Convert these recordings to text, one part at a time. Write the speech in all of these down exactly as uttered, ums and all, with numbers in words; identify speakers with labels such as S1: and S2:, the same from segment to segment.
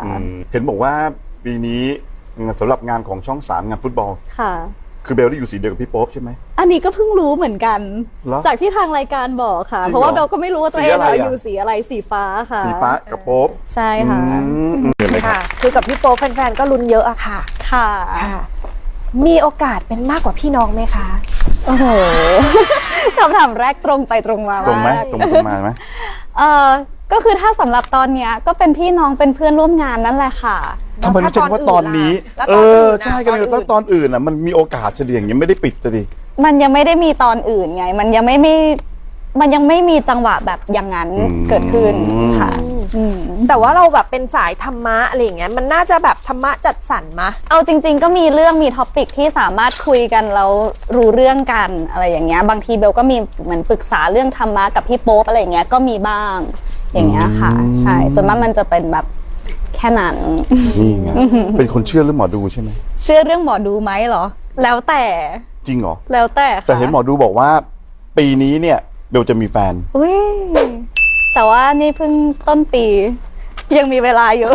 S1: เห็นบอกว่าปีนี้สำหรับงานของช่องสามงานฟุตบอล
S2: ค่ะ
S1: คือเบลได้อยู่สีเดียวกับพี่โป๊ปใช่ไหม
S2: อันนี้ก็เพิ่งรู้เหมือนกันจากที่ทางรายการบอกค่ะเพราะว่าเบลก็ไม่รู้ว่าตัวเองอยู่สีอะไรสีฟ้าค่ะ
S1: สีฟ้ากับโป๊ป
S2: ใช่ค่ะ
S3: ค่ะคือกับพี่โป๊ปแฟนๆก็ลุ้นเยอะอะค่ะ
S2: ค่ะ
S3: มีโอกาสเป็นมากกว่าพี่น้องไหมคะ
S2: โอ้โหคำถามแรกตรงไปตรงมา
S1: ตรงไหมตรงตรงมาไหม
S2: เออก็คือถ้าสำหรับตอนเนี้ยก็เป็นพี่น้องเป็นเพื่อนร่วมงานนั่นแหละค่ะ
S1: ทำไมไม่ใช่ว่าตอนนี้เออใช่กันเลยตอนอื่นอ่ะมันมีโอกาสเฉลี่ยอย่างนี้ไม่ได้ปิดจะดิ
S2: มันยังไม่ได้มีตอนอื่นไงมันยังไม่ไม่มันยังไม่มีจังหวะแบบอย่างนั้นเกิดขึ้นค่ะ
S3: แต่ว่าเราแบบเป็นสายธรรมะอะไรอย่างเงี้ยมันน่าจะแบบธรรมะจัดสรรมะ
S2: เอาจริงๆก็มีเรื่องมีท็อปิกที่สามารถคุยกันแล้วรู้เรื่องกันอะไรอย่างเงี้ยบางทีเบลก็มีเหมือนปรึกษาเรื่องธรรมะกับพี่โป๊ปอะไรอย่างเงี้ยก็มีบ้างอย่างเงี้ยค่ะใช่ส่วนมากมันจะเป็นแบบแค่นั้น
S1: นี่ไงเป็นคนเชื่อเรื่องหมอดูใช่ไหม
S2: เชื่อเรื่องหมอดูไหมเหรอแล้วแต่
S1: จริงเหรอ
S2: แล้วแต่
S1: แต่เห็นหมอดูบอกว่าปีนี้เนี่ยเบลจะมีแฟน
S2: อุ้ยแต่ว่านี่เพิ่งต้นปียังมีเวลาอยู่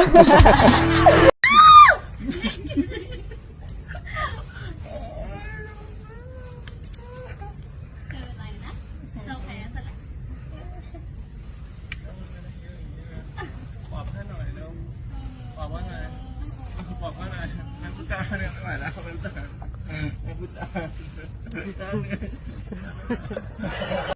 S4: บอกให้หน่อยเร็วบอกว่าไงบอกว่าไงนักพุทธาเนี่ยไม่ไหวแล้วนักพุทธานักพุทธานักพุทธาเนี่ย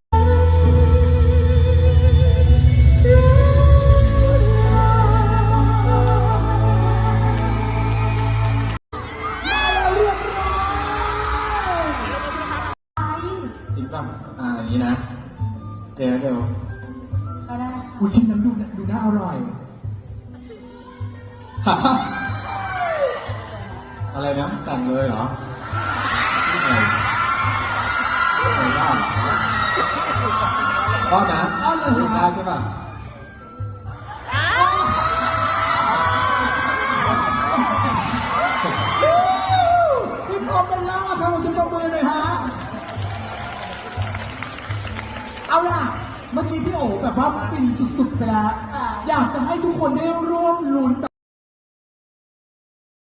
S5: จริงป่ะอ่าอย่างนี้นะเดี๋ยวเดี๋ยว
S6: ก็ได้กูชิมน้ำดูดูน่าอร่อย
S5: อะไรนะแต่งเลยเหรออะไรอะไรบ้างก็นะดูได้ใช่ป่ะ
S6: คุณโอเปร่าทำซิมมือหน่อยฮะเอาล่ะเมื่อกี้พี่โอ๋แบบว่าฟินสุดๆไปแล้วอยากจะให้ทุกคนได้ร่วมลุ้น